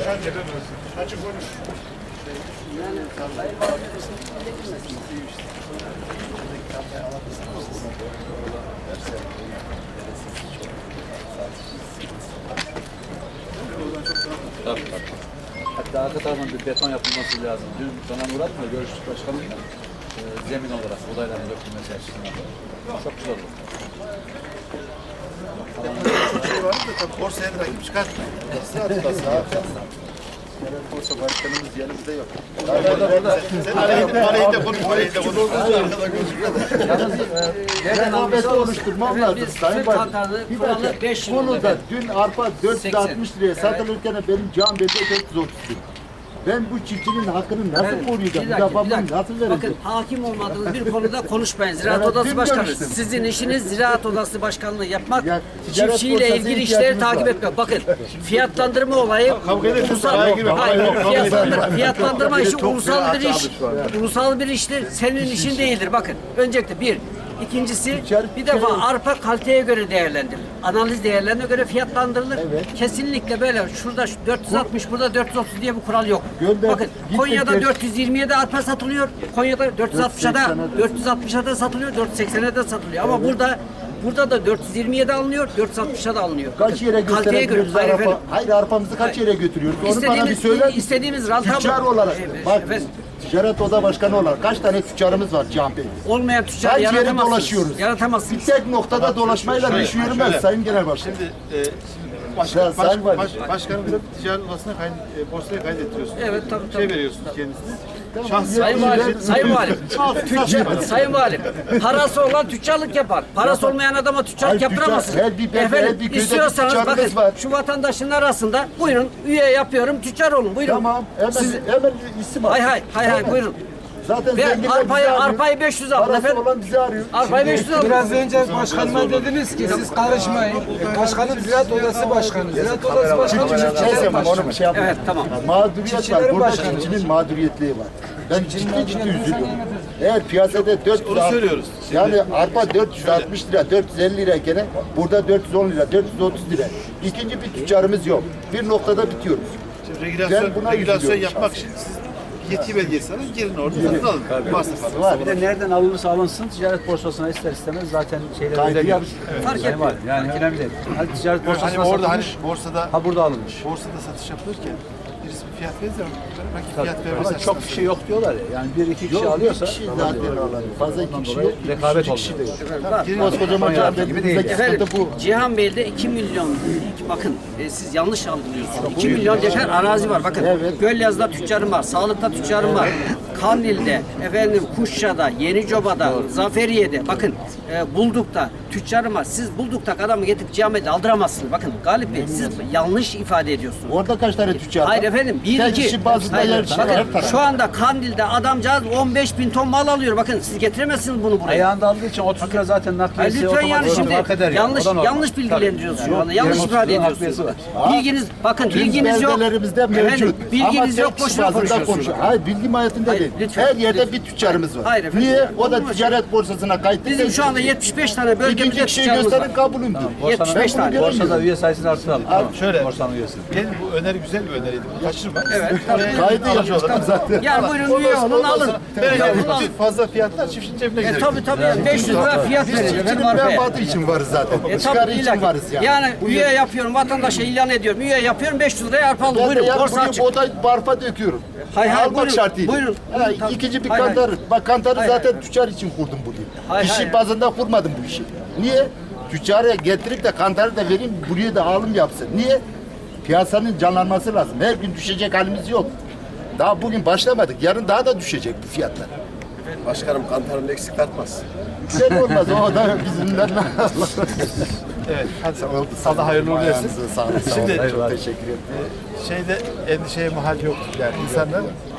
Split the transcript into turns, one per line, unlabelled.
Açık konuş.
Tabii. Hatta arka tarafından bir beton yapılması lazım. Dün Canan Murat'la görüştük başkanımla. Zemin olarak odayların dökülmesi açısından. Çok güzel olur.
Çok şey var da tabii borsaya da rakip çıkartmayın. Borsa başkanımız yanımızda yok. Parayı da konuş, parayı da konuş. Arkada gözüküyor.
Rekabeti oluşturmam lazım Sayın Başkan. Bir dakika, konuda dün arpa 460 liraya satılırken benim can bedeli 430 lira. Ben bu çiftçinin hakkını nasıl koruyacağım? Nasıl vereceğim?
Bakın hakim olmadığınız bir konuda konuşmayın. Ziraat
Evet,
Odası
dün
Başkanı.
görüştüm.
Sizin işiniz Ziraat Odası Başkanlığı yapmak,
Ya, ticaret
çiftçiyle
borsası
ilgili
ihtiyacımız
işleri takip
var.
etmek. Bakın fiyatlandırma olayı fiyatlandırma işi ulusal bir iş. Ulusal bir iştir. Senin işin değildir. Bakın öncelikle bir. İkincisi bir defa arpa kaliteye göre değerlendirilir. Analiz değerlerine göre fiyatlandırılır.
Evet.
Kesinlikle böyle şurada 460 burada 430 diye bir kural yok. Bakın
gittik,
Konya'da
geç.
420'ye de arpa satılıyor. Konya'da 460'a da satılıyor, 480'e de satılıyor. Ama burada da 420'ye de alınıyor, 460'a da alınıyor.
Kaç yere
Kaliteye göre.
götürebiliyoruz arpa? Hayır, arpamızı kaç yere götürüyoruz? Onu bana bir söyler misin?
İstediğimiz ranta
Tüccar olarak, bak
efendim,
ticaret oda başkanı olarak kaç tane tüccarımız var Cihan Bey?
olmayan tüccar
Kaç yere
yaratamazsınız.
dolaşıyoruz?
Yaratamazsınız.
Bir tek noktada dolaşmayla iş yürümez Sayın Genel Başkan.
Şimdi başkanımızın ticaret odasına borsaya kaydettiriyorsunuz.
Evet, tabii.
Şey veriyorsunuz kendisine.
Sayın Valim, Sayın Valim, Sayın Valim, parası olan tüccarlık yapar. Parası olmayan adama tüccarlık
Hayır,
yaptıramazsınız.
her bir belde, her bir köyde
istiyorsanız
bir
bakın
tüccarımız var.
şu vatandaşın arasında buyurun üye yapıyorum, tüccar olun. Buyurun.
Tamam, hemen isim al.
Hay buyurun.
Zaten
Ve
zenginler bizi arıyor.
arpayı 500 alın
Parası
efendim.
olan bizi arıyor.
Arpayı 500 alın.
Biraz önce başkanıma dediniz ki siz karışmayın. Başkanım Ziraat Odası Başkanı. Ziraat Odası Başkanı
Neyse onu bir şey yapma.
Evet, tamam.
Mağduriyet var.
Çiftçilerin
Burada
başkanı.
çiftçinin mağduriyetliği var. Ben ciddi üzülüyorum. Eğer piyasada 400
Onu söylüyoruz.
Yani arpa 460 lira, 450 lira gene burada 410 lira, 430 lira. İkinci bir tüccarımız yok. Bir noktada bitiyoruz.
Şimdi
Ben buna
regülasyon
üzülüyorum
yapmak için siz yetki belgesi alın, girin orada satın alın. Varsa falan.
Var.
Bir de nereden alınırsa alınsın ticaret borsasına ister istemez zaten şeyler
Kaydı
ödeniyor.
yap.
Fark
Yani
etmiyor.
var. Yani önemli değil. Hani ticaret
Hani
borsasına
orada
satılmış.
borsada
Ha burada alınmış.
satış yapılırken birisi bir fiyat verirse rakip fiyat
Ama
vermez.
çok kişi yok diyorlar ya. Yani bir iki kişi alıyorsa
Bir kişi zaten alan. Fazla iki kişi
dolayı
yok.
rekabet
Üç kişi de
olmuyor.
yok. Koskocaman Cihan Bey
gibi değil
bizdeki
Efendim,
sıkıntı bu.
Cihan Bey'de 2 milyon, bakın siz yanlış algılıyorsunuz. 2 milyon dekar arazi var. Bakın
Evet.
Gölyaz'da tüccarım var, Sağlık'ta tüccarım var. Kandil'de, Kuşça'da, Yenicoba'da, Zaferiye'de, bakın Bulduk'ta tüccarım var. Siz Bulduk'ta adamı getirip Cihan Bey'de aldıramazsınız. Bakın Galip Bey siz yanlış ifade ediyorsunuz.
Orada kaç tane tüccar var?
Hayır efendim,
Tek kişi bazında yer
bakın,
her taraf.
şu anda Kandil'de adamcağız 15 bin ton mal alıyor. Bakın siz getiremezsiniz bunu buraya.
Ayağında aldığı için 30 lira zaten
Hayır,
nakliyesi
lütfen yani
otomatik
şimdi
fark eder yani.
yanlış
O da normal.
yanlış bilgilendiriyorsunuz şu anda. Yanlış
Yarım
ifade
otuzun
ediyorsunuz.
nakliyesi var.
Bilginiz bakın
Tüm
bilginiz yok.
beldelerimizde mevcut.
Efendim, bilginiz
Ama
yok
tek kişi
boşuna
bazında
konuşuyorsunuz.
konuşuyor. Hayır, bilgim hayatında
Hayır,
değil.
lütfen,
Her yerde
lütfen.
bir tüccarımız var.
Hayır efendim.
Niye? O da
Olmaz.
ticaret borsasına kayıtlı.
Bizim şu anda 75 tane bölgemizde
İkinci kişiyi
tüccarımız var.
gösterin kabulümdür.
75
Ben bunu
tane.
göremiyorum.
Borsada üye sayısını artıralım. Tamam.
Şöyle.
Borsanın üyesi.
Benim bu öneri güzel bir öneriydi. Kaçırma.
Evet.
Kaydı yapmıştım zaten.
Yani buyurun üye olun alın.
Ben fazla fiyatlar çiftçinin cebine gider.
Tabii yani 500 lira fiyat
Biz
verir
çiftçinin
efendim arpaya.
menfaati için varız zaten.
Tabii
Çıkarı
illa
için
ki.
varız yani.
Yani üye yapıyorum vatandaşa ilan ediyorum. Üye yapıyorum 500 liraya arpa alın.
Ben de
Buyurun
yarın
borsa
buraya
açık.
buğday barfa döküyorum.
Hayır,
Almak
buyurun,
şartıyla.
buyurun.
Ha,
Tabii.
ikinci bir
Hayır,
kantarı. Bak kantarı
Hayır,
zaten
hayır.
tüccar için kurdum burayı.
Hayır,
Kişi
hayır.
bazında kurmadım bu işi. Niye? Tüccara getirip de kantarı da vereyim, buraya da alım yapsın. Niye? Piyasanın canlanması lazım. Her gün düşecek halimiz yok. Daha bugün başlamadık. Yarın daha da düşecek bu fiyatlar.
Başkanım kantarın eksik artmaz.
Güzel olmaz. O da bizimden.
Evet. Hadi sana hayırlı uğurlu olsun.
Sağ olun.
Şimdi
Çok teşekkür ederim.
Şeyde endişeye mahal yok. Yani insanlar